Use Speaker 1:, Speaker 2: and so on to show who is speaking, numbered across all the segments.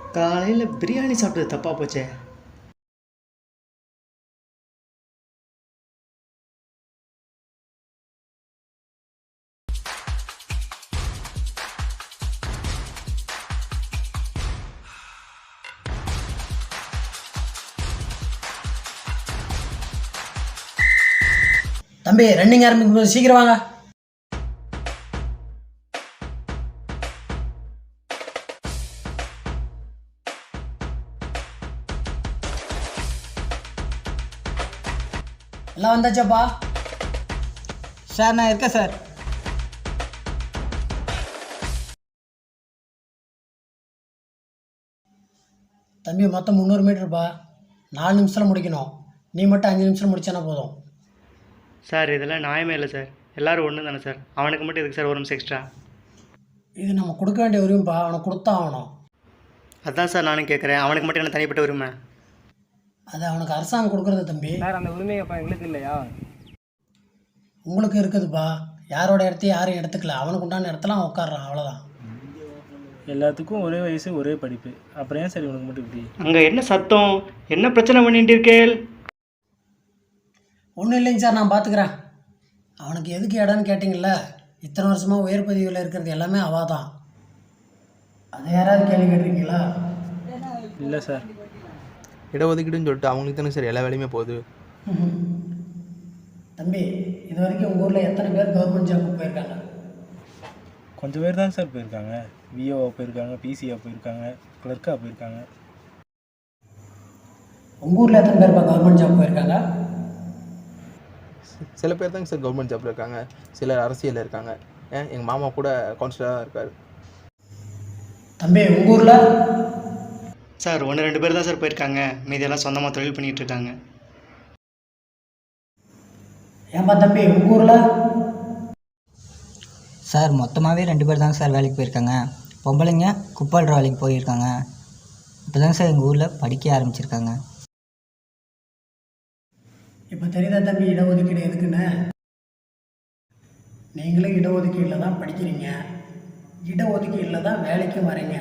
Speaker 1: காலையில் பிரியாணி சாப்பிட்டது தப்பாக போச்சே.
Speaker 2: தம்பி ரன்னிங் ஆரம்பிக்கும் போது சீக்கிரம் வாங்க. எல்லாம் வந்தாச்சாப்பா?
Speaker 3: சார் நான் இருக்கேன் சார்.
Speaker 2: தம்பி மொத்தம் 300 மீட்டருப்பா. 4 நிமிஷத்தில் முடிக்கணும். நீ மட்டும் 5 நிமிஷம் முடிச்சானா போதும்.
Speaker 1: சார் இதெல்லாம் நியாயமே இல்லை சார். எல்லோரும் ஒன்று தானே சார். அவனுக்கு மட்டும் எதுக்கு சார் ஒரு நிமிஷம் எக்ஸ்ட்ரா?
Speaker 2: இது நம்ம கொடுக்க வேண்டிய உரிமைப்பா. அவனை கொடுத்தா ஆகணும்.
Speaker 1: அதுதான் சார் நானும் கேட்குறேன். அவனுக்கு மட்டும் என்ன தனிப்பட்ட உரிமை?
Speaker 2: அது அவனுக்கு அரசாங்கம் கொடுக்குறது தம்பி.
Speaker 3: சார் அந்த உரிமையப்பா எங்களுக்கு இல்லையா?
Speaker 2: உங்களுக்கு இருக்குதுப்பா. யாரோட இடத்தையும் யாரும் எடுத்துக்கல. அவனுக்கு உண்டான இடத்துல அவன் உட்காடுறான், அவ்வளோதான்.
Speaker 4: எல்லாத்துக்கும் ஒரே வயசு ஒரே படிப்பு, அப்புறம் ஏன் சரி உனக்கு மட்டும் இப்படி?
Speaker 1: அங்கே என்ன சத்தம், என்ன பிரச்சனை பண்ணிட்டு இருக்கேள்?
Speaker 2: ஒன்றும் இல்லைங்க சார், நான் பார்த்துக்கிறேன். அவனுக்கு எதுக்கு இடம்னு கேட்டிங்கல்ல, இத்தனை வருஷமாக உயர் பதவியில் இருக்கிறது எல்லாமே அவள் தான். அதை யாராவது கேள்வி கேட்டிருக்கீங்களா?
Speaker 4: இல்லை சார்.
Speaker 5: இடஒதுக்கீடுன்னு சொல்லிட்டு அவங்களுக்கு தானே சார் எல்லா வேலையுமே போகுது.
Speaker 2: தம்பி, இது வரைக்கும் உங்கள் ஊரில் எத்தனை பேர் கவர்மெண்ட் ஜாபுக்கு போயிருக்காங்க?
Speaker 4: கொஞ்சம் பேர் தான் சார் போயிருக்காங்க. விஓவா போயிருக்காங்க, பிசிஆ போயிருக்காங்க, கிளர்க்காக போயிருக்காங்க.
Speaker 2: உங்கள் ஊரில் எத்தனை பேர் கவர்மெண்ட் ஜாப் போயிருக்காங்க?
Speaker 5: சில பேர் தாங்க சார் கவர்மெண்ட் ஜாப்பில் இருக்காங்க, சிலர் அரசியலில் இருக்காங்க. எங்கள் மாமா கூட கவுன்சிலராக இருக்கார்.
Speaker 2: தம்பி உங்கள் ஊரில்?
Speaker 1: சார் 1-2 பேர் தான் சார் போயிருக்காங்க. மீதியெல்லாம் சொந்தமாக தொழில் பண்ணிகிட்டு இருக்காங்க.
Speaker 2: ஏன்பா தம்பி உங்கள் ஊரில்?
Speaker 3: சார் மொத்தமாகவே 2 பேர் தாங்க சார் வேலைக்கு போயிருக்காங்க. பொம்பளைங்க குப்பாடுற வேலைக்கு போயிருக்காங்க. இப்போ தாங்க சார் எங்கள் ஊரில் படிக்க ஆரம்பிச்சிருக்காங்க.
Speaker 2: இப்போ தெரியுதா தம்பி இடஒதுக்கீடு எதுக்குன்னு? நீங்களும் இடஒதுக்கீடில் தான் படிக்கிறீங்க, இடஒதுக்கீடில் தான் வேலைக்கும் வரீங்க.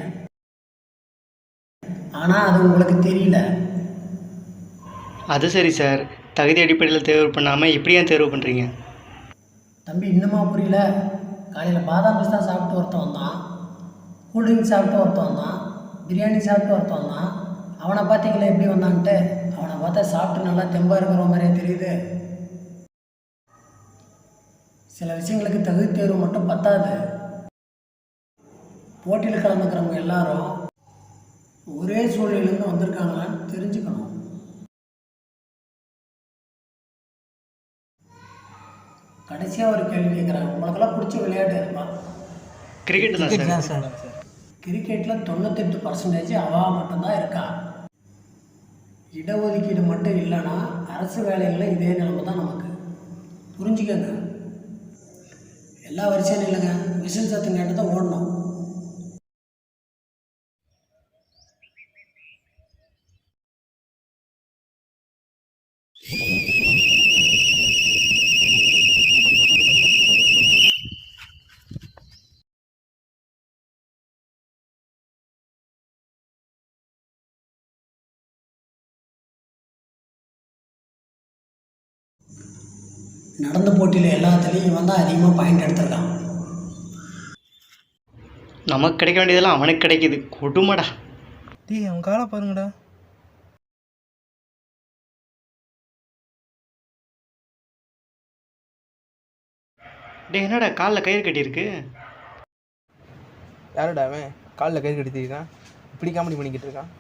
Speaker 2: ஆனால் அது உங்களுக்கு தெரியல.
Speaker 1: அது சரி சார், தகுதி அடிப்படையில் தேர்வு பண்ணாமல் இப்படி ஏன் தேர்வு பண்ணுறீங்க?
Speaker 2: தம்பி இன்னுமா புரியல? காலையில் பாதாம் பிஸ்தா சாப்பிட்டு ஒருத்தன் வந்தான், கூல்ட்ரிங்க் சாப்பிட்டு ஒருத்தன் வந்தான், பிரியாணி சாப்பிட்டு ஒருத்தன் வந்தான். அவனை பார்த்தீங்களா எப்படி வந்தான்ட்டு? அவனை பார்த்தா சாப்பிட்டு நல்லா தெம்பாக இருக்கிற மாதிரியே தெரியுது. சில விஷயங்களுக்கு தகுதி தேர்வு மட்டும் பத்தாது. போட்டியில் கலந்துக்கிறவங்க எல்லாரும் ஒரே சூழ்நிலையிலேருந்து வந்திருக்காங்களான்னு தெரிஞ்சுக்கணும். கடைசியாக ஒரு கேள்வி கேட்குறாங்க, உங்களுக்கெல்லாம் பிடிச்ச விளையாட்டு எதுப்பா?
Speaker 1: கிரிக்கெட் தான் சார்.
Speaker 2: கிரிக்கெட்டில் 98% அவள் மட்டும்தான் இருக்கா. இடஒதுக்கீடு மட்டும் இல்லைன்னா அரசு வேலைகளில் இதே நிலைமை தான் நமக்கு. புரிஞ்சுக்கங்க. எல்லா வரிசையும் இல்லைங்க, விசில் சத்தம் கேட்டு தான் ஓடணும். நடந்த போட்டியில் எல்லாத்துலேயும் இவன் தான் அதிகமாக பாயிண்ட் எடுத்திருக்கான்.
Speaker 1: நமக்கு கிடைக்க வேண்டியதெல்லாம் அவனுக்கு கிடைக்கிது. கொடுமடா.
Speaker 4: டேய் அவன் காலை பாருங்கடா.
Speaker 1: டே என்னடா காலில் கயிறு கட்டியிருக்கு?
Speaker 5: யாரோட அவன் காலில் கயிறு கட்டிருக்கான்? இப்படி காமெடி பண்ணிக்கிட்டு இருக்கான்.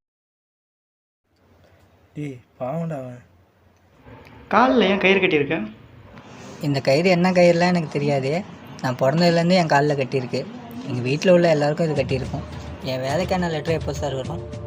Speaker 4: டேய் பாவண்டா அவன்.
Speaker 1: காலில் ஏன் கயிறு கட்டியிருக்கேன்?
Speaker 3: இந்த கயிறு என்ன கயிறுலாம் எனக்கு தெரியாது. நான் பிறந்ததுலேருந்து என் காலில் கட்டியிருக்கு. எங்கள் வீட்டில் உள்ள எல்லாருக்கும் இது கட்டியிருக்கும். என் வேலைக்கான லெட்டர் எப்போ சார் வரும்?